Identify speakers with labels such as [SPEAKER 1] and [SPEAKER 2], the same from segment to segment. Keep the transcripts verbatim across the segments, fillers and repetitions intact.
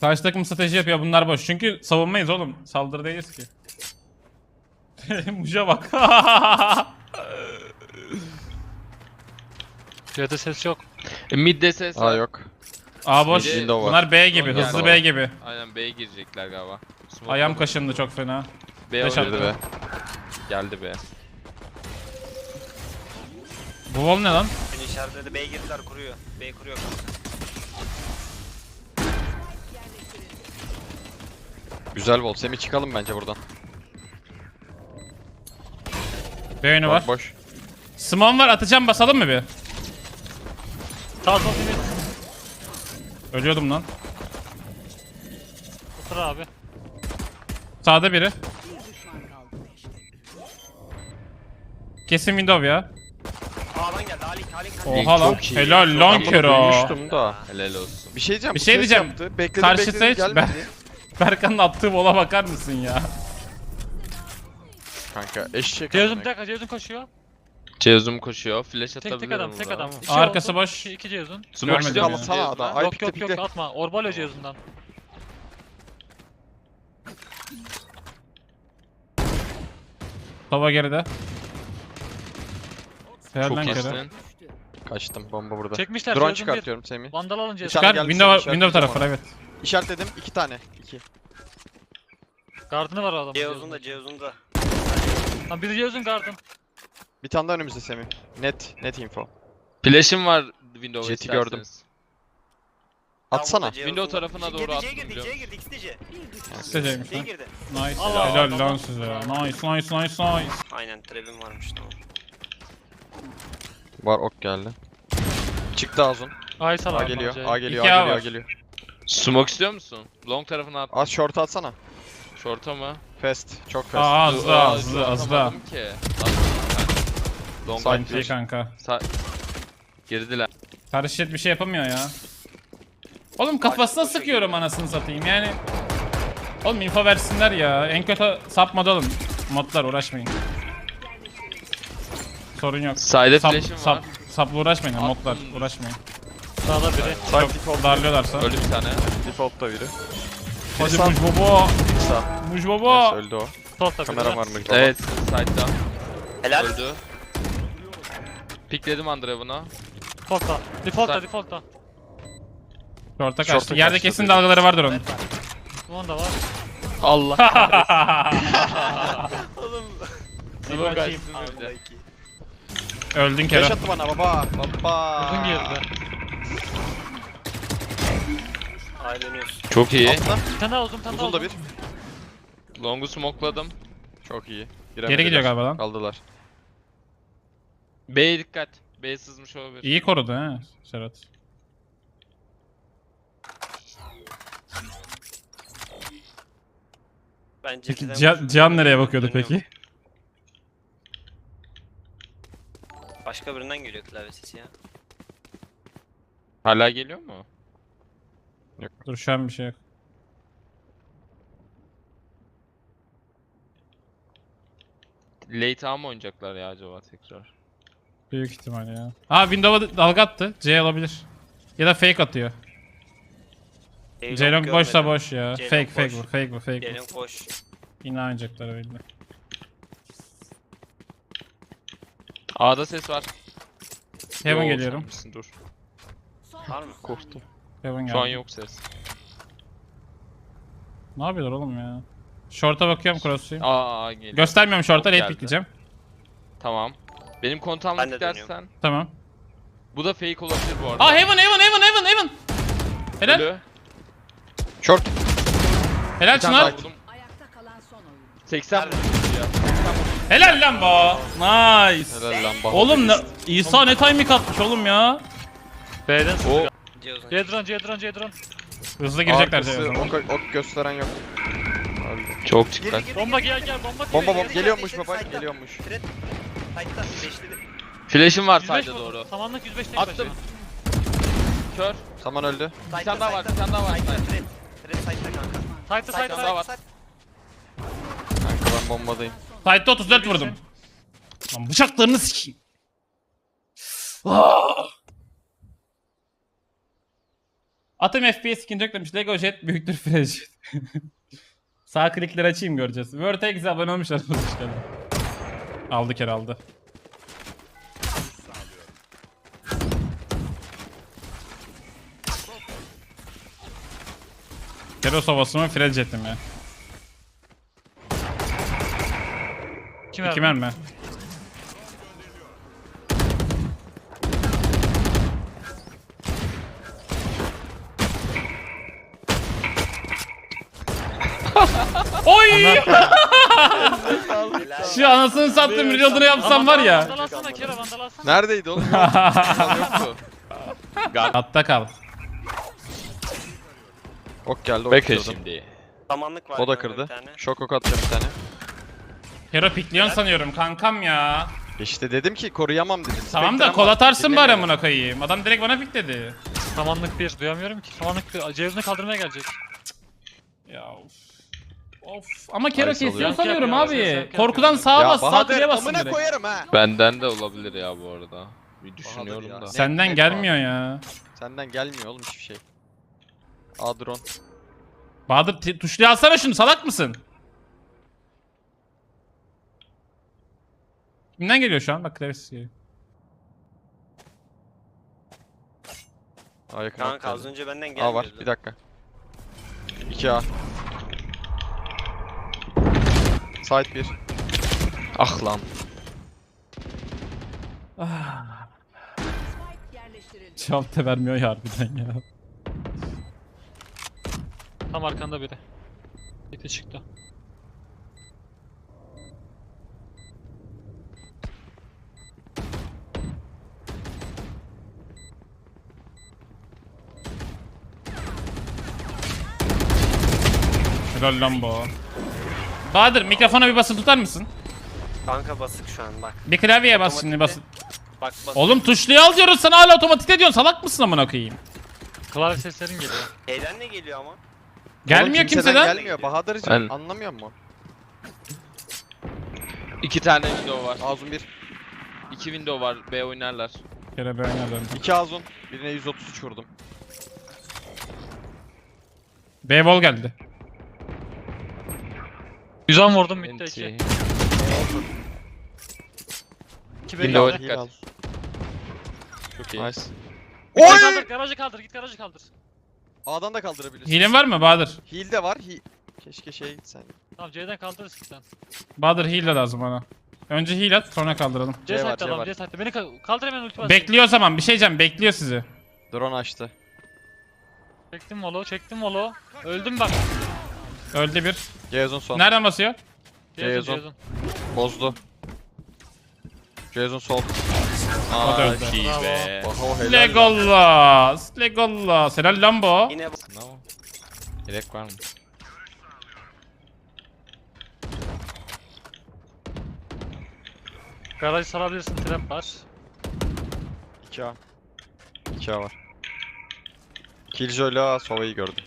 [SPEAKER 1] Karşı takım strateji yapıyor, bunlar boş. Çünkü savunmayız oğlum. Saldırı değiliz ki. Muja bak.
[SPEAKER 2] C'de ses yok.
[SPEAKER 3] E, mid'de ses
[SPEAKER 4] Aa
[SPEAKER 3] var.
[SPEAKER 4] yok.
[SPEAKER 1] A boş.
[SPEAKER 4] Window var.
[SPEAKER 1] Bunlar B gibi,
[SPEAKER 3] Window
[SPEAKER 1] hızlı
[SPEAKER 4] var.
[SPEAKER 1] B gibi.
[SPEAKER 3] Aynen B'ye girecekler galiba. Smoke
[SPEAKER 1] Ayağım
[SPEAKER 3] var.
[SPEAKER 1] kaşındı çok fena.
[SPEAKER 3] B
[SPEAKER 1] Beş
[SPEAKER 3] oynadı
[SPEAKER 1] attı.
[SPEAKER 4] Girdi be.
[SPEAKER 3] Geldi be.
[SPEAKER 1] Bu wall ne lan?
[SPEAKER 5] Beni işaretledi. B'ye girdiler, kuruyor. B kuruyor kanka.
[SPEAKER 4] Güzel bol. Semih çıkalım bence buradan.
[SPEAKER 1] B oyunu var.
[SPEAKER 4] Bak boş.
[SPEAKER 1] Smon var, atacağım, basalım mı bir?
[SPEAKER 2] Sağ sol limit.
[SPEAKER 1] Ölüyordum lan.
[SPEAKER 2] Otur abi.
[SPEAKER 1] Sağda biri. Kesin window ya.
[SPEAKER 5] A'dan geldi. Ali, Ali, Ali.
[SPEAKER 1] Oha lan.
[SPEAKER 4] Çok iyi.
[SPEAKER 1] Helal lan
[SPEAKER 4] Ben bunu
[SPEAKER 1] Kero.
[SPEAKER 4] duymuştum da.
[SPEAKER 3] Helal olsun.
[SPEAKER 4] Bir şey diyeceğim.
[SPEAKER 1] Bir
[SPEAKER 4] bu
[SPEAKER 1] şey
[SPEAKER 4] ses
[SPEAKER 1] diyeceğim.
[SPEAKER 4] yaptı. Bekledim
[SPEAKER 1] Karşı
[SPEAKER 4] bekledim
[SPEAKER 1] seç,
[SPEAKER 4] gelmedi.
[SPEAKER 1] ben- Berkan'ın attığı bola bakar mısın ya?
[SPEAKER 4] Kanka eşek.
[SPEAKER 2] Ceyhun
[SPEAKER 4] amına.
[SPEAKER 2] bir dakika Ceyhun koşuyor.
[SPEAKER 3] Cezum koşuyor. Flash
[SPEAKER 2] Tek
[SPEAKER 3] atabilirim.
[SPEAKER 2] tek adam tek
[SPEAKER 3] burada.
[SPEAKER 2] adam. İki
[SPEAKER 1] Arkası
[SPEAKER 2] oldu.
[SPEAKER 1] boş.
[SPEAKER 2] İki, iki Ceyhun.
[SPEAKER 3] Smoke
[SPEAKER 1] Görmedim
[SPEAKER 3] istiyor
[SPEAKER 1] ya.
[SPEAKER 3] musun
[SPEAKER 4] Sana
[SPEAKER 3] Cezum'a?
[SPEAKER 4] adam. Ay
[SPEAKER 2] Yok
[SPEAKER 4] pikte
[SPEAKER 2] yok yok
[SPEAKER 4] pikte.
[SPEAKER 2] atma. Orbalo Ceyhun'dan.
[SPEAKER 1] Tova geride. Helal
[SPEAKER 3] Çok
[SPEAKER 1] lan Kero.
[SPEAKER 3] iyisin.
[SPEAKER 4] Kaçtım bomba burada.
[SPEAKER 2] Çekmişler
[SPEAKER 4] Drone
[SPEAKER 2] Ceyhun bir.
[SPEAKER 4] çıkartıyorum Semih.
[SPEAKER 2] Vandal alın Ceyhun.
[SPEAKER 4] Çıkar.
[SPEAKER 1] Çıkar,
[SPEAKER 4] geldi,
[SPEAKER 1] window,
[SPEAKER 4] sen
[SPEAKER 1] window
[SPEAKER 4] işaretleyeceğim
[SPEAKER 1] tarafı evet.
[SPEAKER 4] İşaretledim. iki tane. iki.
[SPEAKER 2] Gardını var o adamın.
[SPEAKER 5] C uzun
[SPEAKER 2] Ceyhun'un.
[SPEAKER 5] da, C uzun da.
[SPEAKER 2] Lan biri Ceyhun gardın.
[SPEAKER 4] Bir tane daha önümüzde Semih. Net. Net info.
[SPEAKER 3] Flash'im var Windows'a
[SPEAKER 4] Jet'i
[SPEAKER 3] isterseniz.
[SPEAKER 4] gördüm. Atsana.
[SPEAKER 3] Window tarafına doğru
[SPEAKER 5] C'ye
[SPEAKER 3] attım
[SPEAKER 5] girdi,
[SPEAKER 3] biliyor
[SPEAKER 5] C'ye
[SPEAKER 3] musun?
[SPEAKER 5] girdi, ikisi de C.
[SPEAKER 1] İsteyecekmiş
[SPEAKER 5] C'ye
[SPEAKER 1] lan.
[SPEAKER 5] girdi.
[SPEAKER 1] Nice.
[SPEAKER 2] Allah
[SPEAKER 1] Helal
[SPEAKER 2] Allah.
[SPEAKER 1] lan size. Nice, nice, nice, nice.
[SPEAKER 5] Aynen, trebim varmış tamam.
[SPEAKER 4] Var ok geldi. Çıktı Azun.
[SPEAKER 2] Ay sal
[SPEAKER 4] A
[SPEAKER 2] abi.
[SPEAKER 4] geliyor.
[SPEAKER 2] Ceyhun.
[SPEAKER 4] A geliyor.
[SPEAKER 1] İki
[SPEAKER 4] A
[SPEAKER 1] A
[SPEAKER 4] geliyor. A
[SPEAKER 1] var.
[SPEAKER 4] geliyor.
[SPEAKER 3] Smoke istiyor musun? Long tarafına at.
[SPEAKER 4] Az short atsana.
[SPEAKER 3] Short'a mı?
[SPEAKER 4] Fast. Çok fast.
[SPEAKER 1] Aa
[SPEAKER 3] Dur,
[SPEAKER 1] azla
[SPEAKER 3] aa,
[SPEAKER 1] azla
[SPEAKER 3] dur,
[SPEAKER 1] azla.
[SPEAKER 3] atamadım ki. Atamadım. Long
[SPEAKER 4] Side
[SPEAKER 3] flash.
[SPEAKER 1] İyi kanka.
[SPEAKER 3] Sa Girdiler.
[SPEAKER 1] Karışet bir şey yapamıyor ya. Oğlum kafasına sıkıyorum anasını satayım yani. Oğlum info versinler ya. En kötü sapmadı oğlum. Modlar uğraşmayın. Sorun yok.
[SPEAKER 3] Side'e
[SPEAKER 1] Sap,
[SPEAKER 3] flash'im
[SPEAKER 1] sap,
[SPEAKER 3] var.
[SPEAKER 1] sapla uğraşmayın
[SPEAKER 3] Attım.
[SPEAKER 1] modlar uğraşmayın.
[SPEAKER 2] Sağda biri.
[SPEAKER 1] Çok darlıyorlarsa.
[SPEAKER 3] Öldü bir tane.
[SPEAKER 4] Default'ta biri.
[SPEAKER 1] Hadi
[SPEAKER 4] Sağ.
[SPEAKER 1] Muj baba.
[SPEAKER 4] Sağ.
[SPEAKER 1] Muj baba.
[SPEAKER 4] Neyse, öldü o.
[SPEAKER 2] Solda biri.
[SPEAKER 4] Kamera var mı?
[SPEAKER 3] Evet, side'da.
[SPEAKER 5] Helal.
[SPEAKER 3] Öldü. Pikledim Andrev'ına.
[SPEAKER 2] Default'ta. Default'ta
[SPEAKER 3] Sağ-
[SPEAKER 2] default'ta.
[SPEAKER 1] Short'a
[SPEAKER 4] Short'a
[SPEAKER 1] kaçtı. Yerde
[SPEAKER 4] kaçtı
[SPEAKER 1] kesin
[SPEAKER 4] dedi.
[SPEAKER 1] dalgaları vardır onun.
[SPEAKER 2] Bunun da var.
[SPEAKER 3] Allah.
[SPEAKER 5] Oğlum.
[SPEAKER 1] Bir
[SPEAKER 3] Smoke
[SPEAKER 1] bakayım.
[SPEAKER 3] açtım bir de.
[SPEAKER 1] Öldün
[SPEAKER 4] Flash
[SPEAKER 1] Kero.
[SPEAKER 4] attı bana baba. Baba.
[SPEAKER 2] Uzun girdi.
[SPEAKER 5] Ay dönüyoruz.
[SPEAKER 3] Çok iyi.
[SPEAKER 4] Atla.
[SPEAKER 2] Bir tane daha uzun bir tane daha
[SPEAKER 4] Uzun da
[SPEAKER 2] uzun.
[SPEAKER 4] bir.
[SPEAKER 3] Long'u smokeladım.
[SPEAKER 4] Çok iyi.
[SPEAKER 1] Geri gidiyor galiba lan.
[SPEAKER 4] Kaldılar.
[SPEAKER 3] B'ye dikkat. B sızmış olabilir.
[SPEAKER 1] İyi korudu ha Serhat.
[SPEAKER 5] Bence
[SPEAKER 1] Peki
[SPEAKER 5] birden
[SPEAKER 1] Cihan,
[SPEAKER 5] koşuyor.
[SPEAKER 1] Cihan nereye bakıyordu
[SPEAKER 5] Dönüyorum.
[SPEAKER 1] peki?
[SPEAKER 5] Başka birinden geliyor klavye sesi ya.
[SPEAKER 3] Hala geliyor mu?
[SPEAKER 1] Dur şu an bir şey yok.
[SPEAKER 3] Late A mı oynayacaklar ya acaba tekrar?
[SPEAKER 1] Büyük ihtimal ya. Aa Windows'a dalga attı. C alabilir. Ya da fake atıyor. Ceylon boşsa boş ya.
[SPEAKER 5] Ceylon
[SPEAKER 1] Fake fake
[SPEAKER 5] boş.
[SPEAKER 1] bu fake bu fake bu.
[SPEAKER 5] Ceylon koş.
[SPEAKER 1] Yine oynayacaklar öyle.
[SPEAKER 3] A'da ses var.
[SPEAKER 1] Heaven
[SPEAKER 3] Yo,
[SPEAKER 1] geliyorum.
[SPEAKER 3] sanmışsın, dur.
[SPEAKER 5] Var mı?
[SPEAKER 3] Korktum.
[SPEAKER 1] Heaven
[SPEAKER 3] Şu an
[SPEAKER 1] geldi.
[SPEAKER 3] yok ses.
[SPEAKER 1] Ne yapıyorlar oğlum ya? Short'a bakıyorum cross'uyum.
[SPEAKER 3] Aa, A geliyor.
[SPEAKER 1] Göstermiyorum short'a,
[SPEAKER 3] Çok
[SPEAKER 1] late
[SPEAKER 3] geldi.
[SPEAKER 1] pikleyeceğim.
[SPEAKER 3] Tamam. Benim kontağımla
[SPEAKER 5] Ben de
[SPEAKER 3] gidersen.
[SPEAKER 1] Tamam.
[SPEAKER 3] Bu da fake olabilir bu arada.
[SPEAKER 1] Aa Heaven Heaven Heaven Heaven Heaven. Helal.
[SPEAKER 3] Ölü.
[SPEAKER 4] Short.
[SPEAKER 1] Helal
[SPEAKER 3] Bir tane
[SPEAKER 1] Çınar.
[SPEAKER 3] daha vurdum.
[SPEAKER 6] Ayakta kalan son oyun.
[SPEAKER 3] seksen vurdum ya.
[SPEAKER 1] Helal lan bu. Nice.
[SPEAKER 4] Helal lan baba.
[SPEAKER 1] Oğlum ne, İsa ne timing atmış oğlum ya.
[SPEAKER 2] B'den sıkı.
[SPEAKER 3] O
[SPEAKER 5] C uzun.
[SPEAKER 2] Cedron Cedron Cedron.
[SPEAKER 1] Hızlı girecekler
[SPEAKER 4] Arkası,
[SPEAKER 1] C'ye.
[SPEAKER 4] ok, ok gösteren yok. Öldü.
[SPEAKER 3] çok
[SPEAKER 5] Geri,
[SPEAKER 3] dikkat.
[SPEAKER 5] geri,
[SPEAKER 2] Bomba
[SPEAKER 5] geri.
[SPEAKER 2] gel gel bomba
[SPEAKER 4] Bomba
[SPEAKER 2] geliyor.
[SPEAKER 4] bomba geliyormuş baba
[SPEAKER 5] Side'da.
[SPEAKER 4] geliyormuş.
[SPEAKER 5] Fred. Side'da. Beşledi.
[SPEAKER 3] Flash'im var
[SPEAKER 2] yüz beş
[SPEAKER 3] side'e
[SPEAKER 2] vurdu.
[SPEAKER 3] doğru.
[SPEAKER 2] Samanlık yüz beş tek
[SPEAKER 3] Attım.
[SPEAKER 2] başına.
[SPEAKER 3] Kör.
[SPEAKER 4] Saman öldü.
[SPEAKER 5] Side'da,
[SPEAKER 3] tane daha var,
[SPEAKER 5] side'da.
[SPEAKER 3] bir tane daha var.
[SPEAKER 5] Side'da Fred. Fred side'da kanka.
[SPEAKER 2] Side'da
[SPEAKER 5] Side'da,
[SPEAKER 2] side'da.
[SPEAKER 3] daha var.
[SPEAKER 5] side.
[SPEAKER 4] Kanka ben bombadayım.
[SPEAKER 1] Side'de otuz dört vurdum. Lan bıçaklarını sikeyim. Ah! Atım F P S ikinci yok demiş. Lego Jet büyüktür Flash. Sağ klikleri açayım göreceğiz. Vertex'e abone olmuşlar. Aldı kere aldı. Keros ovası mı Fred Jet'i mi?
[SPEAKER 2] Kim
[SPEAKER 1] İki
[SPEAKER 2] verdi?
[SPEAKER 1] mermi. Oy! Şu anasını sattım reload'unu yapsam var ya.
[SPEAKER 2] Vandal alsana Kero, vandal alsana.
[SPEAKER 4] Neredeydi oğlum? Yok. Yoktu.
[SPEAKER 1] Hatta kal.
[SPEAKER 4] Ok geldi, ok
[SPEAKER 3] Bekle
[SPEAKER 4] kırdım.
[SPEAKER 3] şimdi.
[SPEAKER 5] Samanlık var.
[SPEAKER 4] O da
[SPEAKER 5] kanka bir
[SPEAKER 4] kırdı.
[SPEAKER 5] tane.
[SPEAKER 4] Şok ok atacağım bir tane.
[SPEAKER 1] Hero pikliyon sanıyorum kankam ya.
[SPEAKER 4] İşte dedim ki koruyamam dedim.
[SPEAKER 1] Tamam da
[SPEAKER 4] Spectre'm
[SPEAKER 1] kol
[SPEAKER 4] var,
[SPEAKER 1] atarsın bari
[SPEAKER 4] dinlemiyorum.
[SPEAKER 1] amına koyayım. Adam direkt bana pikledi.
[SPEAKER 2] Samanlık bir, duyamıyorum ki. Samanlık bir, Ceyhun'u kaldırmaya gelecek.
[SPEAKER 1] Ya of. Of. Ama Kero
[SPEAKER 4] Ay, salıyor.
[SPEAKER 1] kesiyor
[SPEAKER 2] Yank
[SPEAKER 1] sanıyorum
[SPEAKER 2] yapıyor,
[SPEAKER 1] abi.
[SPEAKER 2] ses yank
[SPEAKER 1] Korkudan
[SPEAKER 2] yapıyor.
[SPEAKER 1] sağa
[SPEAKER 4] Ya
[SPEAKER 1] bas, sağ
[SPEAKER 4] Bahadır
[SPEAKER 1] kliğe basın
[SPEAKER 4] amına
[SPEAKER 1] direkt.
[SPEAKER 4] koyarım ha.
[SPEAKER 3] Benden de olabilir ya bu arada. Bir düşünüyorum
[SPEAKER 4] ya.
[SPEAKER 3] da.
[SPEAKER 4] Ne-
[SPEAKER 1] Senden
[SPEAKER 4] net
[SPEAKER 1] gelmiyor ya.
[SPEAKER 4] Senden gelmiyor oğlum hiçbir şey. A drone.
[SPEAKER 1] Bahadır t- tuşluya alsana şunu, salak mısın? Kimden geliyor şu an? Bak klavyesis geliyor.
[SPEAKER 4] A yakın
[SPEAKER 5] Kanka
[SPEAKER 4] ok
[SPEAKER 5] az
[SPEAKER 4] geldi.
[SPEAKER 5] önce benden
[SPEAKER 4] A
[SPEAKER 5] gelmiyordu.
[SPEAKER 4] var bir dakika. iki A. Side bir.
[SPEAKER 3] Ah lan.
[SPEAKER 1] Cevap da vermiyor ya harbiden ya.
[SPEAKER 2] Tam arkanda biri. Bekle çıktı.
[SPEAKER 1] Helal lan bu. Bahadır mikrofona bir basılı tutar mısın?
[SPEAKER 5] Kanka basık şu an bak.
[SPEAKER 1] Bir klavyeye bas şimdi
[SPEAKER 5] Otomatikte.
[SPEAKER 1] basın.
[SPEAKER 5] Bak bas.
[SPEAKER 1] Oğlum tuşluya al diyoruz sana hala otomatikte diyorsun, salak mısın amına koyayım?
[SPEAKER 2] Klavye seslerin geliyor.
[SPEAKER 5] Şeyden ne geliyor ama?
[SPEAKER 1] Gelmiyor
[SPEAKER 4] Oğlum
[SPEAKER 1] kimseden.
[SPEAKER 4] Gelmiyor Bahadır'cığım
[SPEAKER 3] Ben-
[SPEAKER 4] anlamıyor musun?
[SPEAKER 3] İki tane window var.
[SPEAKER 4] Azun bir.
[SPEAKER 3] İki window var. B oynarlar.
[SPEAKER 1] Kere ben yazarım.
[SPEAKER 4] iki Azun. Birine yüz otuz üç vurdum.
[SPEAKER 1] B-ball geldi.
[SPEAKER 2] yüz on vurdum bitti
[SPEAKER 3] Enti.
[SPEAKER 2] iki. iki
[SPEAKER 3] Window
[SPEAKER 2] belli.
[SPEAKER 3] dikkat.
[SPEAKER 4] al.
[SPEAKER 3] Çok iyi.
[SPEAKER 4] Nice.
[SPEAKER 2] Garajı kaldır, garajı kaldır, git garajı kaldır.
[SPEAKER 4] A'dan da kaldırabilirsin.
[SPEAKER 1] Hilin var mı Bahadır?
[SPEAKER 4] Heal de var. He... Keşke şey gitsen.
[SPEAKER 2] Tamam C'den kaldırırız sen.
[SPEAKER 1] Bahadır heal de lazım bana. Önce heal at sonra kaldıralım.
[SPEAKER 2] C
[SPEAKER 4] C var,
[SPEAKER 2] site'de
[SPEAKER 4] C
[SPEAKER 2] adam,
[SPEAKER 4] var.
[SPEAKER 2] C site'de. Beni ka- kaldır hemen ulti basayım.
[SPEAKER 1] Bekliyor o zaman, bir şey diyeceğim, bekliyor sizi.
[SPEAKER 4] Drone açtı.
[SPEAKER 2] Çektim molo, çektim molo. Öldüm bak.
[SPEAKER 1] Öldü bir.
[SPEAKER 4] Ceyhun son.
[SPEAKER 1] Nereden basıyor?
[SPEAKER 2] Ceyhun,
[SPEAKER 4] Ceyhun.
[SPEAKER 2] Ceyhun.
[SPEAKER 4] Bozdu. Ceyhun sol.
[SPEAKER 1] O da öldü.
[SPEAKER 3] Çok iyi be.
[SPEAKER 4] Oho helal. lan.
[SPEAKER 1] Legolas, Legolas. Helal lan bu.
[SPEAKER 5] Yine bu.
[SPEAKER 3] Bravo. Gerek var mı?
[SPEAKER 2] Garajı sarabilirsin, trap var.
[SPEAKER 4] iki A. iki A var. Killjoy'la Sova'yı gördüm.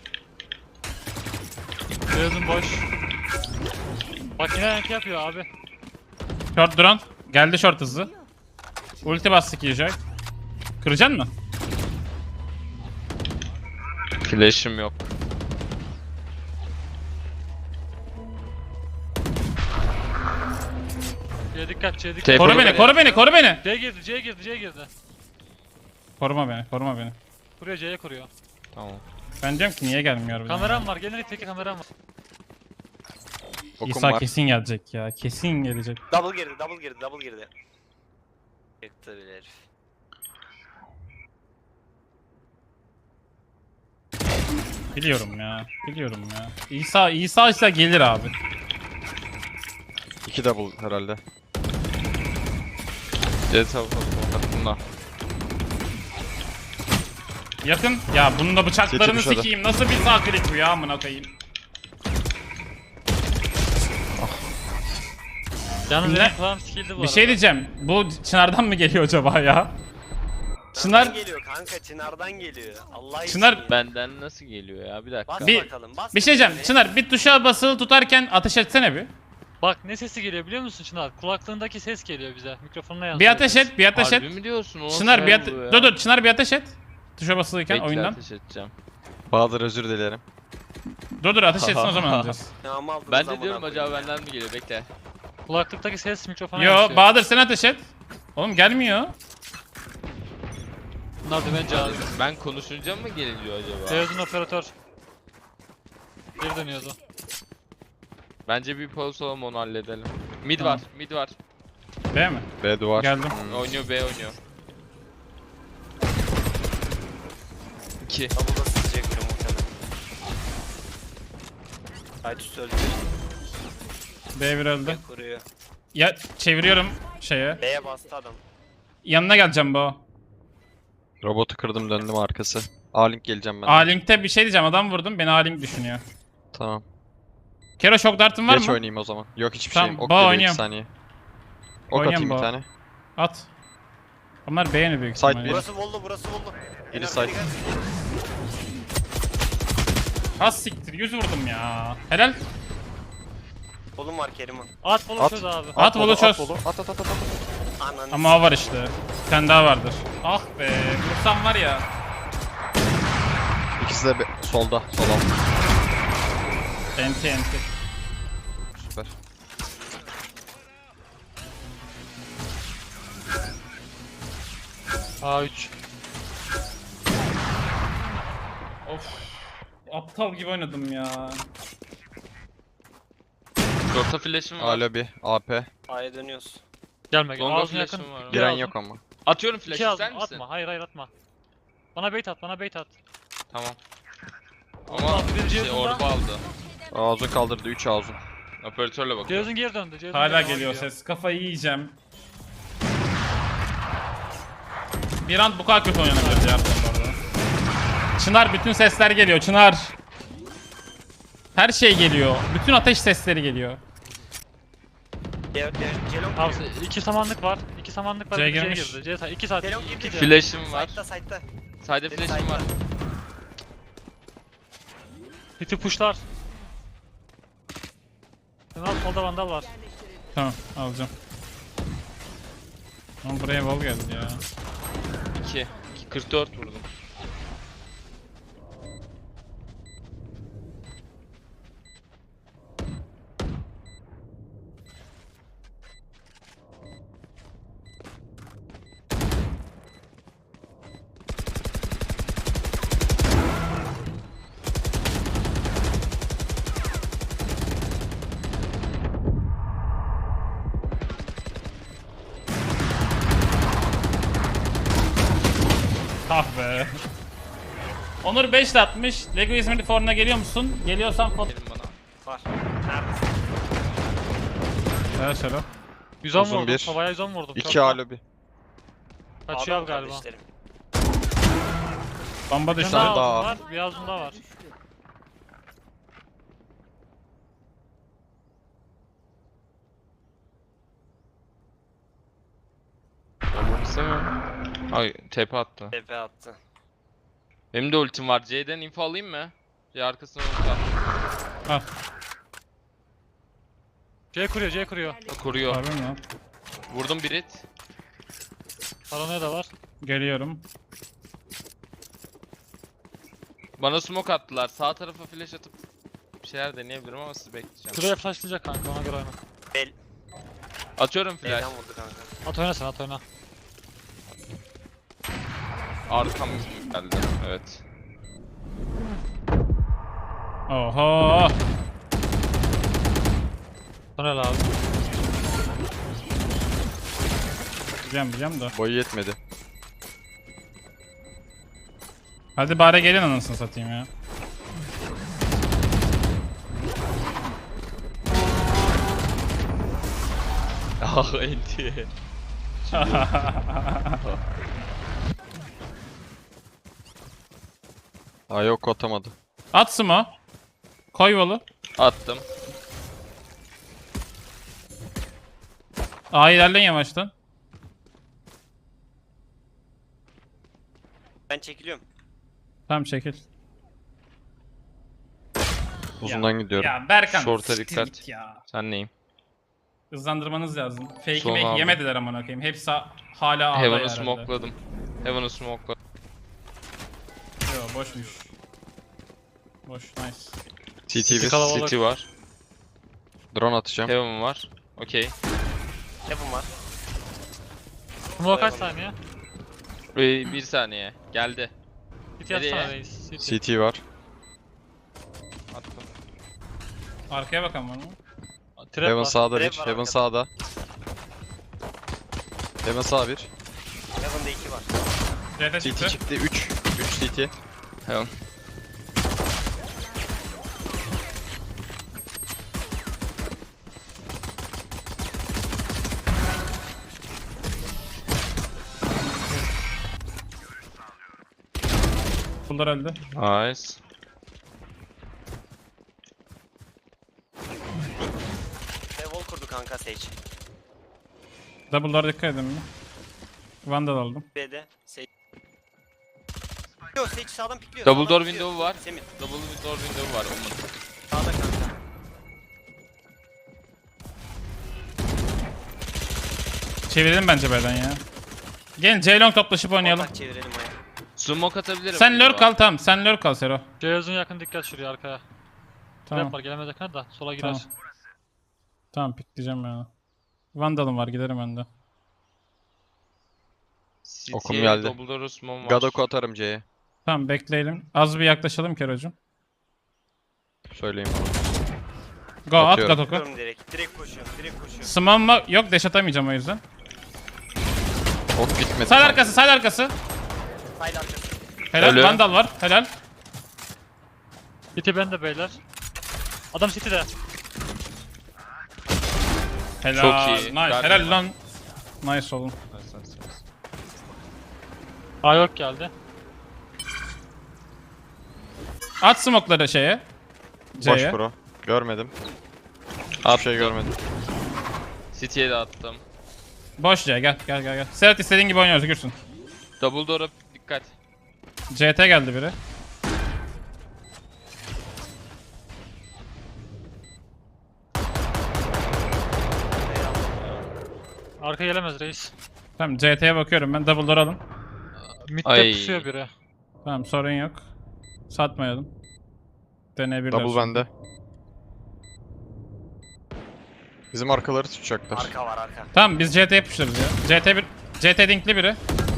[SPEAKER 2] Ceyhun boş. Bak yine yank yapıyor abi.
[SPEAKER 1] Short drone. Geldi short hızlı. Ulti bastı Killjoy. Kıracaksın mı?
[SPEAKER 3] Flash'ım yok.
[SPEAKER 2] C'ye dikkat, C'ye dikkat.
[SPEAKER 3] Telefon-
[SPEAKER 1] Koru
[SPEAKER 3] Koru
[SPEAKER 1] beni,
[SPEAKER 3] beni.
[SPEAKER 1] koru beni, koru beni.
[SPEAKER 2] C'ye girdi, C'ye girdi, C'ye girdi.
[SPEAKER 1] Koruma beni, koruma beni.
[SPEAKER 2] Kuruyor, C'ye kuruyor.
[SPEAKER 3] Tamam.
[SPEAKER 1] Ben diyorum ki niye gelmiyor bu?
[SPEAKER 2] Kameram var, gelin teki kameram var.
[SPEAKER 4] Okum
[SPEAKER 1] İsa
[SPEAKER 4] var.
[SPEAKER 1] kesin gelecek ya, kesin gelecek.
[SPEAKER 5] Double girdi, double girdi, double girdi. Çıktı bile herif.
[SPEAKER 1] Biliyorum ya, biliyorum ya. İsa, İsa ise gelir abi.
[SPEAKER 4] iki double herhalde.
[SPEAKER 3] C tarafı hakkında.
[SPEAKER 1] Yakın. Ya bunun da bıçaklarını
[SPEAKER 4] Seçilmiş
[SPEAKER 1] sikeyim. Nasıl bir sağ klik bu ya amına koyayım.
[SPEAKER 2] Yalnız
[SPEAKER 1] Ne?
[SPEAKER 2] benim kulağım skill'di bu
[SPEAKER 1] Bir
[SPEAKER 2] arada.
[SPEAKER 1] şey diyeceğim. Bu Çınar'dan mı geliyor acaba ya? Çınar-
[SPEAKER 5] Çınar'dan geliyor kanka, Çınar'dan geliyor. Allah için.
[SPEAKER 1] Çınar-
[SPEAKER 5] ya.
[SPEAKER 3] Benden nasıl geliyor ya? Bir dakika.
[SPEAKER 5] Bas
[SPEAKER 1] Bir-
[SPEAKER 5] bakalım, bas.
[SPEAKER 1] Bir şey diyeceğim.
[SPEAKER 5] bakalım.
[SPEAKER 1] Çınar bir tuşa basılı tutarken ateş etsene bir.
[SPEAKER 2] Bak ne sesi geliyor biliyor musun Çınar? Kulaklığındaki ses geliyor bize. Mikrofonuna yansıyor.
[SPEAKER 1] Bir ateş et, bir ateş
[SPEAKER 3] Harbi
[SPEAKER 1] et.
[SPEAKER 3] mi diyorsun? O
[SPEAKER 1] Çınar bir
[SPEAKER 3] nasıl
[SPEAKER 1] ate-
[SPEAKER 3] oluyor ya?
[SPEAKER 1] Dur dur Çınar bir ateş et. Tuşa basılıyken
[SPEAKER 3] Bekle,
[SPEAKER 1] oyundan.
[SPEAKER 3] ateş edeceğim.
[SPEAKER 4] Bahadır özür dilerim.
[SPEAKER 1] Dur dur ateş etsin o zaman alacağız.
[SPEAKER 5] Ya ama aldınız
[SPEAKER 3] Ben de
[SPEAKER 5] amına
[SPEAKER 3] diyorum
[SPEAKER 5] koyayım
[SPEAKER 3] acaba
[SPEAKER 5] ya.
[SPEAKER 3] benden mi geliyor, bekle.
[SPEAKER 2] Kulaklıktaki ses mikrofona
[SPEAKER 1] Yo
[SPEAKER 2] yansıyor.
[SPEAKER 1] Bahadır sen ateş et. Oğlum gelmiyor.
[SPEAKER 2] Bunlar da bence abi.
[SPEAKER 3] Ben konuşunca mı geliyor acaba?
[SPEAKER 2] Beyazın operatör. Geri dönüyordu.
[SPEAKER 3] Bence bir pulse olalım, onu halledelim. Mid
[SPEAKER 1] Tamam.
[SPEAKER 3] var, mid var.
[SPEAKER 1] B mi?
[SPEAKER 4] B duvar.
[SPEAKER 1] Geldim.
[SPEAKER 4] Hmm.
[SPEAKER 3] Oynuyor, B oynuyor. iki.
[SPEAKER 5] Double'da sızacak biri muhtemelen. Aytus öldü.
[SPEAKER 1] B bir öldü.
[SPEAKER 5] Kuruyor.
[SPEAKER 1] Ya çeviriyorum şeye.
[SPEAKER 5] B'ye bastı adam.
[SPEAKER 1] Yanına geleceğim bu.
[SPEAKER 4] Robotu kırdım döndüm arkası. A-Link geleceğim ben. de.
[SPEAKER 1] A-Link'te bir şey diyeceğim. Adam vurdum. Beni A-Link düşünüyor.
[SPEAKER 4] Tamam.
[SPEAKER 1] Kero şok dartın var
[SPEAKER 4] Geç
[SPEAKER 1] mı?
[SPEAKER 4] oynayayım o zaman. Yok hiçbir
[SPEAKER 1] Tamam,
[SPEAKER 4] şeyim. Ok
[SPEAKER 1] bağ
[SPEAKER 4] geliyor
[SPEAKER 1] oynuyorum.
[SPEAKER 4] iki saniye. Ok
[SPEAKER 1] Oynuyorum
[SPEAKER 4] atayım bir
[SPEAKER 1] bağ.
[SPEAKER 4] tane.
[SPEAKER 1] At. Onlar beğeni büyük
[SPEAKER 4] Side
[SPEAKER 1] ihtimalle.
[SPEAKER 4] bir.
[SPEAKER 5] Burası voldu, burası voldu.
[SPEAKER 4] Biri
[SPEAKER 5] En
[SPEAKER 4] side.
[SPEAKER 5] arkaya gel.
[SPEAKER 1] Az siktir. Yüz vurdum ya. Helal.
[SPEAKER 5] Kolum var Kerim'in.
[SPEAKER 2] At bolu
[SPEAKER 4] At.
[SPEAKER 2] çöz abi.
[SPEAKER 1] At bolu çöz.
[SPEAKER 4] At at at at. at.
[SPEAKER 5] Ananı.
[SPEAKER 1] Ama o var işte. Bir tane daha vardır. Ah be. Vursam var ya.
[SPEAKER 4] İkisi de be- solda. Sol alt.
[SPEAKER 1] Enti enti.
[SPEAKER 4] Süper.
[SPEAKER 2] A üç.
[SPEAKER 1] Of. Aptal gibi oynadım ya.
[SPEAKER 3] Short'a flash'ım
[SPEAKER 4] A
[SPEAKER 3] var.
[SPEAKER 4] lobby. A P.
[SPEAKER 5] A'ya dönüyoruz.
[SPEAKER 2] Gelme gel.
[SPEAKER 3] Longa
[SPEAKER 2] Ağzına yakın.
[SPEAKER 3] flash'ım var.
[SPEAKER 2] Bir
[SPEAKER 4] Giren
[SPEAKER 2] ağzın.
[SPEAKER 4] yok ama.
[SPEAKER 3] Atıyorum
[SPEAKER 2] İki
[SPEAKER 3] flash'ı,
[SPEAKER 2] ağzın.
[SPEAKER 3] ister misin?
[SPEAKER 2] Atma. Hayır hayır atma. Bana bait at. Bana bait at.
[SPEAKER 3] Tamam.
[SPEAKER 2] Allah,
[SPEAKER 3] Ama
[SPEAKER 2] bir
[SPEAKER 3] şey
[SPEAKER 2] Ceyhun'da.
[SPEAKER 3] orba aldı.
[SPEAKER 4] Ağzını kaldırdı. üç ağzın.
[SPEAKER 3] Operatörle bakıyor.
[SPEAKER 2] Ceyhun'un geri döndü. Ceyhun'un
[SPEAKER 1] Hala
[SPEAKER 2] geri
[SPEAKER 1] geliyor
[SPEAKER 2] döndü.
[SPEAKER 1] ses. Kafayı yiyeceğim. Bir an bu kadar kötü oynanabilir ya bu arada. Çınar bütün sesler geliyor. Çınar. Her şey geliyor. Bütün ateş sesleri geliyor.
[SPEAKER 5] C- C- Celon
[SPEAKER 2] Abi
[SPEAKER 5] giriyor.
[SPEAKER 2] iki samanlık var. İki samanlık var.
[SPEAKER 1] C
[SPEAKER 2] bir C'ye
[SPEAKER 1] girmiş.
[SPEAKER 2] girdi. C sa- iki saat.
[SPEAKER 5] Celon
[SPEAKER 2] iki
[SPEAKER 5] girdi.
[SPEAKER 2] C.
[SPEAKER 3] Flash'ım var.
[SPEAKER 5] Side'da side'da.
[SPEAKER 3] Side flash'ım var.
[SPEAKER 2] Hiti pushlar. Sen al solda vandal var.
[SPEAKER 1] Tamam alacağım. Ama buraya wall geldi ya.
[SPEAKER 3] iki. iki kırk dört vurdum.
[SPEAKER 1] Ah be. Onur beş de atmış. Lego İzmirli forumuna geliyor musun? Geliyorsan foto...
[SPEAKER 3] Gelin bana.
[SPEAKER 5] Var. Neredesin?
[SPEAKER 1] Evet Şero.
[SPEAKER 2] yüz on
[SPEAKER 4] Uzun
[SPEAKER 2] vurdum.
[SPEAKER 4] bir.
[SPEAKER 2] Havaya yüz on vurdum.
[SPEAKER 4] iki
[SPEAKER 2] Çok
[SPEAKER 4] A
[SPEAKER 2] da-
[SPEAKER 4] lobby.
[SPEAKER 2] Kaçıyor
[SPEAKER 5] Adam
[SPEAKER 2] galiba.
[SPEAKER 5] kardeşlerim.
[SPEAKER 1] Bomba
[SPEAKER 2] Bir
[SPEAKER 1] düştü.
[SPEAKER 2] tane daha
[SPEAKER 4] daha.
[SPEAKER 2] ağzında var. Bir ağzında var.
[SPEAKER 3] Bombanı istemiyorum. Ay T P attı.
[SPEAKER 5] T P attı.
[SPEAKER 3] Benim de ultim var. C'den info alayım mı? C arkasına ulti at.
[SPEAKER 1] Al.
[SPEAKER 2] C kuruyor. C kuruyor.
[SPEAKER 3] Kuruyor.
[SPEAKER 1] Harbi mi lan?
[SPEAKER 3] Vurdum bir hit.
[SPEAKER 2] Paranoya da var.
[SPEAKER 1] Geliyorum.
[SPEAKER 3] Bana smoke attılar. Sağ tarafa flash atıp bir şeyler deneyebilirim ama sizi bekleyeceğim.
[SPEAKER 2] Şuraya flashlayacak kanka ona göre oyna.
[SPEAKER 5] Bel.
[SPEAKER 3] Atıyorum flash.
[SPEAKER 5] B'den vurdu kanka.
[SPEAKER 2] At oyna sen at oyna.
[SPEAKER 3] Arkam geldi. Evet.
[SPEAKER 1] Oho.
[SPEAKER 2] Sonra abi.
[SPEAKER 1] Bileceğim bileceğim de.
[SPEAKER 4] Boyu yetmedi.
[SPEAKER 1] Hadi bari gelin anasını satayım ya.
[SPEAKER 3] Ah enti.
[SPEAKER 4] Aa yok atamadı.
[SPEAKER 1] At smo. Koy yolu.
[SPEAKER 3] Attım.
[SPEAKER 1] Aa ilerleyin yavaştan.
[SPEAKER 5] Ben çekiliyorum.
[SPEAKER 1] Tamam çekil.
[SPEAKER 4] Uzundan gidiyorum.
[SPEAKER 1] Ya Berkan.
[SPEAKER 3] Short'a
[SPEAKER 1] siktir
[SPEAKER 3] dikkat.
[SPEAKER 1] git Ya.
[SPEAKER 3] Sen neyim?
[SPEAKER 1] Hızlandırmanız lazım. Fake'i
[SPEAKER 3] Son
[SPEAKER 1] make
[SPEAKER 3] aldım.
[SPEAKER 1] yemediler amına koyayım. Hepsi hala A'da
[SPEAKER 3] Heaven'ı
[SPEAKER 1] herhalde.
[SPEAKER 3] smokeladım. Heaven'ı smokeladım.
[SPEAKER 1] Yo boşmuş. Boş, nice.
[SPEAKER 4] C T
[SPEAKER 2] City
[SPEAKER 4] bir.
[SPEAKER 2] kalabalık.
[SPEAKER 3] City var.
[SPEAKER 4] Drone atacağım.
[SPEAKER 3] Heaven var. Okey.
[SPEAKER 5] Heaven var.
[SPEAKER 2] Smoke kaç saniye?
[SPEAKER 3] Ee, bir saniye. Geldi.
[SPEAKER 2] City atsana
[SPEAKER 3] Nereye?
[SPEAKER 2] reis. City.
[SPEAKER 4] C T var.
[SPEAKER 3] Attım.
[SPEAKER 1] Arkaya bakalım var mı?
[SPEAKER 2] Trap
[SPEAKER 4] Heaven
[SPEAKER 2] var.
[SPEAKER 4] sağda
[SPEAKER 5] Trap
[SPEAKER 4] bir.
[SPEAKER 5] var
[SPEAKER 4] Heaven
[SPEAKER 5] arkada.
[SPEAKER 4] sağda. Heaven sağ bir.
[SPEAKER 5] Heaven'da iki var.
[SPEAKER 1] C T
[SPEAKER 4] C
[SPEAKER 1] çıktı.
[SPEAKER 4] T çıktı. üç. üç C T.
[SPEAKER 3] Heaven.
[SPEAKER 1] Bunlar öldü.
[SPEAKER 3] Nice.
[SPEAKER 5] Ve wall kurdu kanka Sage.
[SPEAKER 1] Double door dikkat edin mi? Vandal aldım.
[SPEAKER 5] B'de Sage. Yo Sage sağdan pikliyor.
[SPEAKER 3] Double
[SPEAKER 5] sağdan
[SPEAKER 3] door
[SPEAKER 5] pikliyor.
[SPEAKER 3] window var.
[SPEAKER 5] Semih
[SPEAKER 3] Double door window var. Onun.
[SPEAKER 5] sağda kanka.
[SPEAKER 1] Çevirelim bence B'den ya. Gelin C-Long toplaşıp oynayalım.
[SPEAKER 5] Ortak çevirelim aya.
[SPEAKER 3] Smoke atabilirim.
[SPEAKER 1] Sen lurk
[SPEAKER 3] acaba.
[SPEAKER 1] al tamam. Sen lurk al Sero.
[SPEAKER 2] Ceyhoz'un yakın dikkat şuraya arkaya.
[SPEAKER 1] Tamam.
[SPEAKER 2] Trap var gelemez yakına da sola girer.
[SPEAKER 1] Tamam. Tamam pikleyeceğim ya. Vandal'ım var giderim ben de.
[SPEAKER 3] City'ye
[SPEAKER 4] Okum geldi.
[SPEAKER 3] Double door smoke var.
[SPEAKER 4] Gadok'u atarım C'ye.
[SPEAKER 1] Tamam bekleyelim. Az bir yaklaşalım Kero'cum.
[SPEAKER 4] Söyleyeyim bana.
[SPEAKER 1] Go at
[SPEAKER 4] Atıyorum.
[SPEAKER 1] Gadok'u.
[SPEAKER 5] Diyorum direkt. Direkt koşuyorum. Direkt koşuyorum.
[SPEAKER 1] Smamma yok dash atamayacağım o yüzden.
[SPEAKER 4] Ok gitmedi.
[SPEAKER 1] Side arkası side arkası.
[SPEAKER 5] Side arkası.
[SPEAKER 1] Helal
[SPEAKER 3] Ölü.
[SPEAKER 1] Vandal var helal.
[SPEAKER 2] City bende beyler. Adam City'de.
[SPEAKER 1] Helal.
[SPEAKER 3] Çok iyi.
[SPEAKER 1] Nice.
[SPEAKER 3] Verdim
[SPEAKER 1] Helal
[SPEAKER 3] ben.
[SPEAKER 1] lan. Nice oğlum.
[SPEAKER 3] Nice, nice, nice.
[SPEAKER 2] A yok geldi.
[SPEAKER 1] At smoke'ları şeye.
[SPEAKER 4] Boş
[SPEAKER 1] C'ye.
[SPEAKER 4] bro. Görmedim. Hiçbir şey görmedim.
[SPEAKER 3] City'ye de attım.
[SPEAKER 1] Boş C gel gel gel gel. Serhat istediğin gibi oynuyoruz Gürsün.
[SPEAKER 3] Double door'a dikkat.
[SPEAKER 1] C T geldi biri.
[SPEAKER 2] Arka gelemez reis.
[SPEAKER 1] Tamam C T'ye bakıyorum ben double door alın.
[SPEAKER 2] Mid'de
[SPEAKER 3] Ay.
[SPEAKER 2] pusuyor biri.
[SPEAKER 1] Tamam sorun yok. Satmayalım. Deneyebilirler.
[SPEAKER 4] Double
[SPEAKER 1] şimdi.
[SPEAKER 4] bende. Bizim arkaları tutacaklar.
[SPEAKER 5] Arka var arka.
[SPEAKER 1] Tamam biz C T yapıştırırız ya. C T bir C T dinkli biri.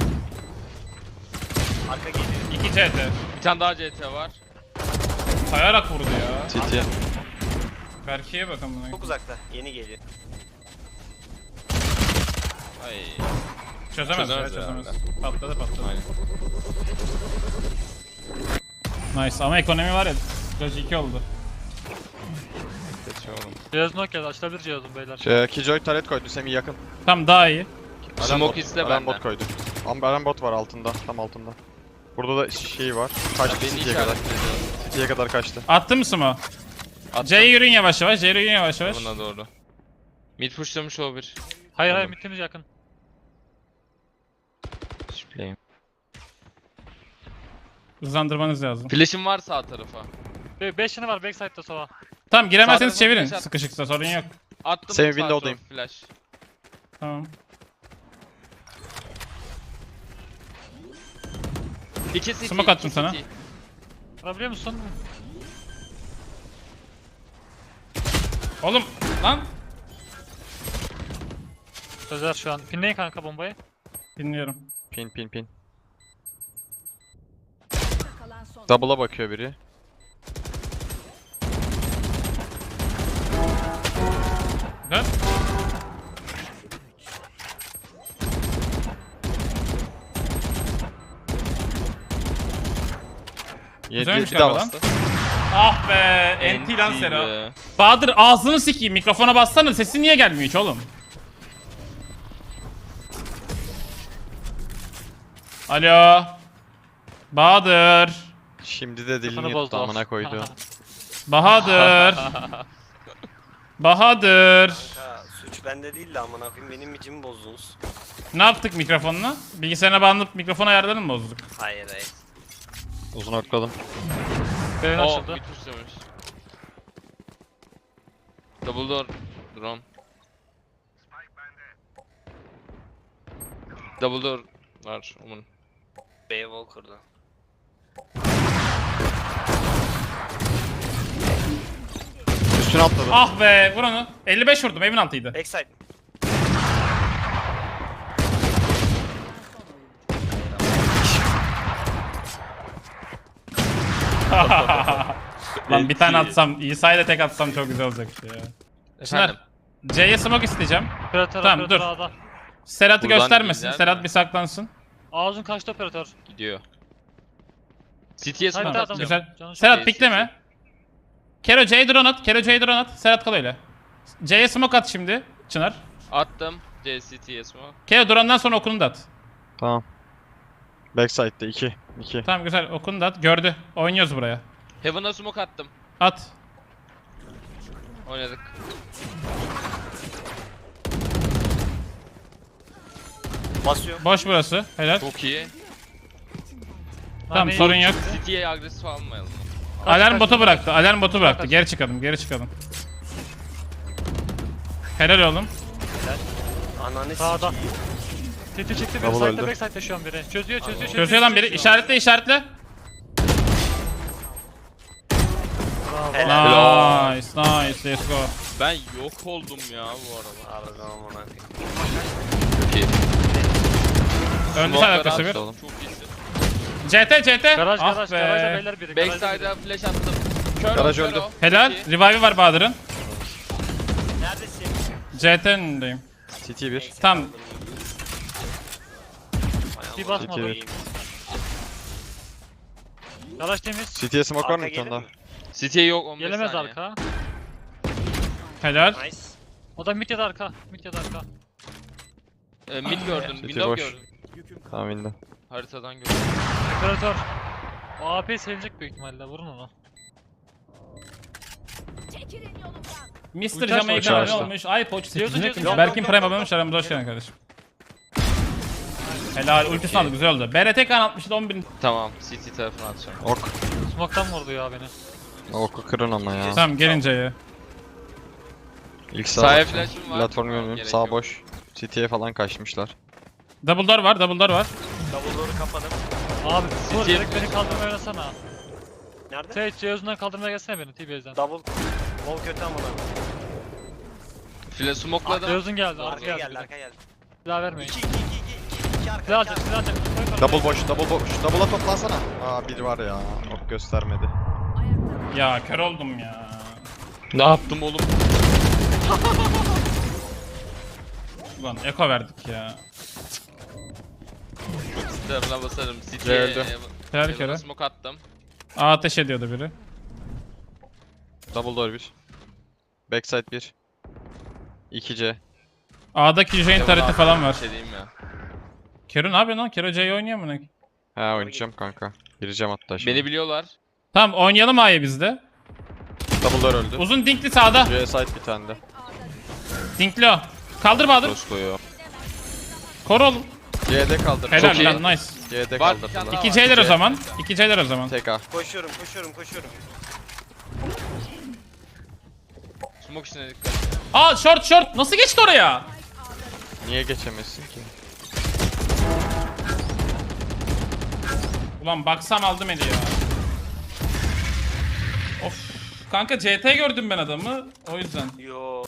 [SPEAKER 5] Arka geliyor.
[SPEAKER 1] İki C T.
[SPEAKER 3] Bir tane daha C T var.
[SPEAKER 1] Sayarak vurdu ya.
[SPEAKER 4] C T.
[SPEAKER 1] Berke'ye bakın buna.
[SPEAKER 5] Çok uzakta. Yeni geliyor.
[SPEAKER 3] Ay.
[SPEAKER 1] Çözemez,
[SPEAKER 3] Çözemez
[SPEAKER 1] ya, çözemez.
[SPEAKER 3] herhalde.
[SPEAKER 1] Patladı patladı.
[SPEAKER 3] Aynen.
[SPEAKER 1] Nice ama ekonomi var ya. Doge iki oldu.
[SPEAKER 3] Geçiyor oğlum.
[SPEAKER 2] Ceyhoz'un ok geldi. Açılabilir Ceyhoz'un beyler.
[SPEAKER 4] Şey, Killjoy taret koydu. Semih yakın.
[SPEAKER 1] Tam daha iyi.
[SPEAKER 4] Alarm
[SPEAKER 3] Smoke
[SPEAKER 4] bot-
[SPEAKER 3] iste
[SPEAKER 4] alarm bot
[SPEAKER 3] benden.
[SPEAKER 4] koydu. Am alarm bot var altında. Tam altında. Burada da şey var. Kaçtı
[SPEAKER 3] Beni
[SPEAKER 4] City'ye kadar.
[SPEAKER 3] işaretledi.
[SPEAKER 4] City'ye kadar kaçtı.
[SPEAKER 1] Attı mı Smo?
[SPEAKER 3] Attım.
[SPEAKER 1] C'ye yürüyün yavaş yavaş. C'ye yürüyün yavaş yavaş.
[SPEAKER 3] Buna doğru. Mid pushlamış o bir.
[SPEAKER 2] Hayır hayır
[SPEAKER 3] Tamam.
[SPEAKER 2] mid'imiz yakın.
[SPEAKER 3] Shipleyim.
[SPEAKER 1] Hızlandırmanız lazım.
[SPEAKER 3] Flash'im var sağ tarafa.
[SPEAKER 2] beş yanı var backside'da sola.
[SPEAKER 1] Tamam giremezseniz
[SPEAKER 3] Sağ
[SPEAKER 1] çevirin.
[SPEAKER 3] tarafa
[SPEAKER 1] Sıkışıksa sorun yok.
[SPEAKER 3] Attım
[SPEAKER 4] Senin
[SPEAKER 3] sağ
[SPEAKER 4] window'dayım.
[SPEAKER 3] tarafı flash.
[SPEAKER 1] Tamam.
[SPEAKER 3] İki city.
[SPEAKER 1] Smoke attım
[SPEAKER 3] iki
[SPEAKER 1] sana.
[SPEAKER 3] city.
[SPEAKER 2] Vurabiliyor musun?
[SPEAKER 1] Oğlum lan.
[SPEAKER 2] Sözer şu an. Pinleyin kanka bombayı.
[SPEAKER 1] Dinliyorum.
[SPEAKER 4] Pin pin pin.
[SPEAKER 6] Kalan son.
[SPEAKER 4] Double'a bakıyor biri.
[SPEAKER 1] Dön.
[SPEAKER 4] Yedi
[SPEAKER 1] Güzelmiş
[SPEAKER 4] bir daha
[SPEAKER 1] galiba lan.
[SPEAKER 4] bastı.
[SPEAKER 1] Ah be. Enti lan
[SPEAKER 3] Enti
[SPEAKER 1] Sera.
[SPEAKER 3] be.
[SPEAKER 1] Bahadır ağzını sikeyim. Mikrofona bassana. Sesi niye gelmiyor hiç oğlum? Alo. Bahadır.
[SPEAKER 4] Şimdi de dilini
[SPEAKER 2] Kafanı
[SPEAKER 4] yuttu
[SPEAKER 2] bozdu.
[SPEAKER 4] amına koydu.
[SPEAKER 1] Bahadır. Bahadır.
[SPEAKER 5] Kanka suç bende değil de amına koyayım benim micimi bozdunuz.
[SPEAKER 1] Ne yaptık mikrofonla? Bilgisayarına bağlanıp mikrofon ayarlarını mı bozduk?
[SPEAKER 5] Hayır hayır.
[SPEAKER 4] Uzun arkladım.
[SPEAKER 2] Beyin
[SPEAKER 3] O
[SPEAKER 2] açıldı.
[SPEAKER 3] mid pushlamış. Double door. Drone. Double door var onun.
[SPEAKER 5] B wall kurdu.
[SPEAKER 4] Üstüne atladı.
[SPEAKER 1] Ah be vur onu. elli beş vurdum evin altıydı.
[SPEAKER 5] Backside.
[SPEAKER 1] Lan bir tane
[SPEAKER 3] Peki.
[SPEAKER 1] atsam, İsa'yla tek atsam çok güzel olacaktı ya. Çınar,
[SPEAKER 3] Efendim.
[SPEAKER 1] C'ye smoke isteyeceğim.
[SPEAKER 2] Operatör,
[SPEAKER 1] Tamam,
[SPEAKER 2] operatör
[SPEAKER 1] dur.
[SPEAKER 2] A'da.
[SPEAKER 1] Serhat'ı
[SPEAKER 3] Buradan
[SPEAKER 1] göstermesin.
[SPEAKER 3] gider
[SPEAKER 1] Serhat
[SPEAKER 3] mi?
[SPEAKER 1] bir saklansın.
[SPEAKER 2] Ağzın kaçtı operatör.
[SPEAKER 3] Gidiyor. City'ye
[SPEAKER 2] Haydi
[SPEAKER 3] smoke
[SPEAKER 2] adam.
[SPEAKER 3] atacağım.
[SPEAKER 1] Güzel.
[SPEAKER 2] Canı çok
[SPEAKER 1] Serhat
[SPEAKER 3] iyi,
[SPEAKER 1] pikleme. Kero C'ye drone at. Kero C'ye drone at. Serhat kal öyle. C'ye smoke at şimdi. Çınar.
[SPEAKER 3] Attım. C C T'ye smoke.
[SPEAKER 1] Kero drone'dan sonra okunu da at.
[SPEAKER 4] Tamam. Backside'de iki. iki.
[SPEAKER 1] Tamam güzel okunu da at. Gördü. Oynuyoruz buraya.
[SPEAKER 3] Heaven'a smoke attım.
[SPEAKER 1] At.
[SPEAKER 3] Oynadık.
[SPEAKER 5] Basıyor.
[SPEAKER 1] Boş burası. Helal.
[SPEAKER 3] Çok iyi.
[SPEAKER 1] Tamam
[SPEAKER 2] Nane
[SPEAKER 1] sorun
[SPEAKER 2] iyi.
[SPEAKER 1] yok.
[SPEAKER 3] City'ye agresif almayalım.
[SPEAKER 1] Alarm
[SPEAKER 2] kaç,
[SPEAKER 1] botu
[SPEAKER 2] kaç.
[SPEAKER 1] bıraktı. Alarm botu bıraktı.
[SPEAKER 2] kaç.
[SPEAKER 1] Geri çıkalım. Geri çıkalım. Helal oğlum.
[SPEAKER 5] Ananı
[SPEAKER 2] Sağda.
[SPEAKER 5] sikeyim.
[SPEAKER 2] Titi çıktı biri.
[SPEAKER 4] Double
[SPEAKER 2] Side'de
[SPEAKER 4] öldü.
[SPEAKER 2] backside'de şu an biri. Çözüyor çözüyor çözüyor.
[SPEAKER 1] Çözüyor lan biri.
[SPEAKER 2] çözüyor.
[SPEAKER 1] İşaretle işaretle.
[SPEAKER 2] Bravo.
[SPEAKER 5] Helal.
[SPEAKER 1] Nice nice. Let's go.
[SPEAKER 3] Ben yok oldum ya bu arada.
[SPEAKER 5] Harbiden amına koyayım.
[SPEAKER 3] Çok iyi.
[SPEAKER 1] Öndü sen
[SPEAKER 3] Smoke'ları
[SPEAKER 1] arkası
[SPEAKER 3] at.
[SPEAKER 1] bir.
[SPEAKER 3] Çok iyisin.
[SPEAKER 1] C T C T.
[SPEAKER 2] Garaj
[SPEAKER 1] Ah
[SPEAKER 2] garaj garajda
[SPEAKER 1] be.
[SPEAKER 2] beyler biri. garajda biri.
[SPEAKER 3] Backside'a flash attım. Kör
[SPEAKER 4] Garaj
[SPEAKER 3] o,
[SPEAKER 4] öldü.
[SPEAKER 3] kör o.
[SPEAKER 1] Helal.
[SPEAKER 3] Çok iyi.
[SPEAKER 1] Revive'i var Bahadır'ın.
[SPEAKER 5] Neredesin?
[SPEAKER 1] C T'ndeyim.
[SPEAKER 4] City bir.
[SPEAKER 5] Backside
[SPEAKER 1] Tam.
[SPEAKER 5] aldım. Hay
[SPEAKER 2] Bir
[SPEAKER 5] amına
[SPEAKER 2] basmadı.
[SPEAKER 5] koyayım.
[SPEAKER 2] Garaj temiz.
[SPEAKER 4] City'ye smoke var mı
[SPEAKER 5] Arka
[SPEAKER 4] bir tane
[SPEAKER 5] gelir
[SPEAKER 4] daha?
[SPEAKER 5] mi?
[SPEAKER 3] City'ye yok on beş
[SPEAKER 2] Gelemez
[SPEAKER 3] saniye.
[SPEAKER 2] arka.
[SPEAKER 1] Helal.
[SPEAKER 5] Nice.
[SPEAKER 2] O da mid ya da arka. Mid ya da arka.
[SPEAKER 3] Ee, mid gördüm.
[SPEAKER 4] City
[SPEAKER 3] Window
[SPEAKER 4] boş.
[SPEAKER 3] gördüm.
[SPEAKER 4] Tamam indi.
[SPEAKER 3] Haritadan gördüm.
[SPEAKER 2] Operatör. O A P silecek büyük ihtimalle. Vurun onu.
[SPEAKER 6] Çekilin yolumdan.
[SPEAKER 1] mister
[SPEAKER 2] Uçaş
[SPEAKER 1] Jamaica
[SPEAKER 4] uçaş
[SPEAKER 1] abone
[SPEAKER 4] işte.
[SPEAKER 1] olmuş. iPod
[SPEAKER 2] Diyorsun,
[SPEAKER 1] sekizini
[SPEAKER 2] diyorsun.
[SPEAKER 1] kırmış.
[SPEAKER 2] Yok,
[SPEAKER 1] Berkin
[SPEAKER 5] yok,
[SPEAKER 1] Prime
[SPEAKER 5] yok,
[SPEAKER 1] abone olmuş.
[SPEAKER 5] yok.
[SPEAKER 1] Aramıza hoş geldin kardeşim. Helal. Ultisini aldı. Güzel oldu. B R T kan altmıştı on bin.
[SPEAKER 3] Tamam. City tarafına atacağım.
[SPEAKER 4] Ok.
[SPEAKER 2] Smoke'tan vurdu ya beni.
[SPEAKER 4] Oku kırın ama ya.
[SPEAKER 1] Tamam gelince ya.
[SPEAKER 4] İlk sağ
[SPEAKER 3] Sahaya
[SPEAKER 4] bakacağım.
[SPEAKER 3] flash'ım var.
[SPEAKER 4] Platform
[SPEAKER 3] Tamam,
[SPEAKER 4] görmüyorum.
[SPEAKER 3] gerek
[SPEAKER 4] Sağ
[SPEAKER 3] yok.
[SPEAKER 4] boş. City'ye falan kaçmışlar.
[SPEAKER 1] Double door var. Double door var.
[SPEAKER 5] Double door'u kapadım.
[SPEAKER 2] Abi vur
[SPEAKER 3] City-
[SPEAKER 2] direkt beni kaldırmaya oynasana.
[SPEAKER 5] Nerede?
[SPEAKER 2] Sage Zeus'undan kaldırmaya gelsene beni T-Base'den.
[SPEAKER 5] Double. Low kötü amına koyayım.
[SPEAKER 3] Flash smoke'ladım.
[SPEAKER 2] Zeus'un geldi. Arka
[SPEAKER 5] Arkaya
[SPEAKER 2] geldi.
[SPEAKER 5] geldi
[SPEAKER 2] bir de.
[SPEAKER 5] arkaya geldi.
[SPEAKER 2] Silah vermeyin.
[SPEAKER 5] iki iki iki iki iki arka.
[SPEAKER 2] Silah
[SPEAKER 5] iki
[SPEAKER 2] alacak
[SPEAKER 5] arka.
[SPEAKER 2] silah alacak. Koy koy.
[SPEAKER 4] Double boş, double boş. Double'a toplansana. Aa biri var ya. Ok göstermedi.
[SPEAKER 1] Ya kör oldum ya.
[SPEAKER 3] Ne yaptım oğlum?
[SPEAKER 1] Ulan eko verdik ya.
[SPEAKER 3] Tarafına basarım. City'ye
[SPEAKER 4] Öldü.
[SPEAKER 1] Her
[SPEAKER 3] Heaven'a
[SPEAKER 1] kere.
[SPEAKER 3] smoke attım.
[SPEAKER 1] A ateş ediyordu biri.
[SPEAKER 4] Double door bir. Backside bir. iki C.
[SPEAKER 1] A'da Q J'nin
[SPEAKER 3] Heaven'a
[SPEAKER 1] tareti
[SPEAKER 3] attım,
[SPEAKER 1] falan var.
[SPEAKER 3] Bir şey diyeyim ya.
[SPEAKER 1] Kero ne yapıyorsun lan? Kero C'yi oynuyor mu ne?
[SPEAKER 4] He oynayacağım kanka. Gireceğim hatta şimdi.
[SPEAKER 3] Beni biliyorlar.
[SPEAKER 1] Tamam oynayalım A'yı bizde.
[SPEAKER 4] Double door öldü.
[SPEAKER 1] Uzun dinkli sağda.
[SPEAKER 4] C side bir tane de.
[SPEAKER 1] Dinkli o. Kaldır Bahadır.
[SPEAKER 4] Dost koyuyor.
[SPEAKER 1] Koru oğlum.
[SPEAKER 4] C'de kaldır.
[SPEAKER 1] Helal
[SPEAKER 3] iyi.
[SPEAKER 1] lan nice.
[SPEAKER 4] C'de
[SPEAKER 3] Var, bir
[SPEAKER 4] kaldır.
[SPEAKER 3] tane daha
[SPEAKER 1] İki
[SPEAKER 3] var.
[SPEAKER 1] C'ler o
[SPEAKER 4] C.
[SPEAKER 1] zaman. İki C'ler o zaman.
[SPEAKER 4] Tek A.
[SPEAKER 5] Koşuyorum koşuyorum koşuyorum.
[SPEAKER 3] Smoke içine dikkat.
[SPEAKER 1] Aa short short. Nasıl geçti oraya?
[SPEAKER 4] Niye geçemezsin ki?
[SPEAKER 1] Ulan baksam aldım eli ya. Of. Kanka C T gördüm ben adamı. O yüzden.
[SPEAKER 5] Yo.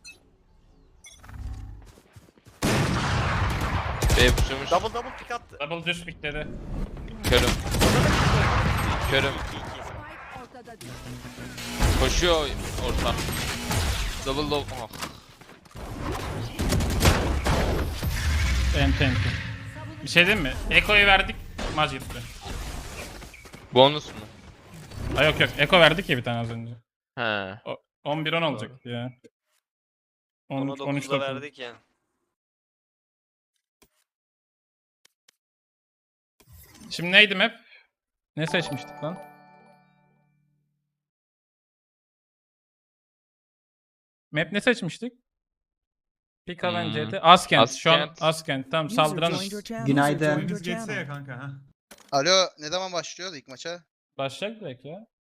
[SPEAKER 3] B pushlamış.
[SPEAKER 5] Double double pick attı.
[SPEAKER 1] Double düz pikledi.
[SPEAKER 3] Körüm. Körüm.
[SPEAKER 5] iki iki.
[SPEAKER 6] Spike ortada değil.
[SPEAKER 3] Koşuyor orta. Double low. Oh.
[SPEAKER 1] Enti enti. Bir şey diyeyim mi? Eko'yu verdik. Maç gitti.
[SPEAKER 3] Bonus mu?
[SPEAKER 1] Ha yok yok. Eko verdik ya bir tane az önce.
[SPEAKER 3] He.
[SPEAKER 1] O, on bir on olacaktı ya. on,
[SPEAKER 5] Ona
[SPEAKER 1] on üç
[SPEAKER 5] dokuzda
[SPEAKER 1] dokuz.
[SPEAKER 5] verdik ya.
[SPEAKER 1] Şimdi neydi map? Ne seçmiştik lan? Map ne seçmiştik? Pika
[SPEAKER 3] Hmm.
[SPEAKER 1] hmm. C T. Askent. Şu an
[SPEAKER 3] Askent.
[SPEAKER 1] Askent. Tamam saldıranız.
[SPEAKER 7] Günaydın.
[SPEAKER 8] Gündüz geçse ya kanka ha.
[SPEAKER 7] Alo, ne zaman başlıyoruz ilk maça?
[SPEAKER 1] Başlayacak direkt ya.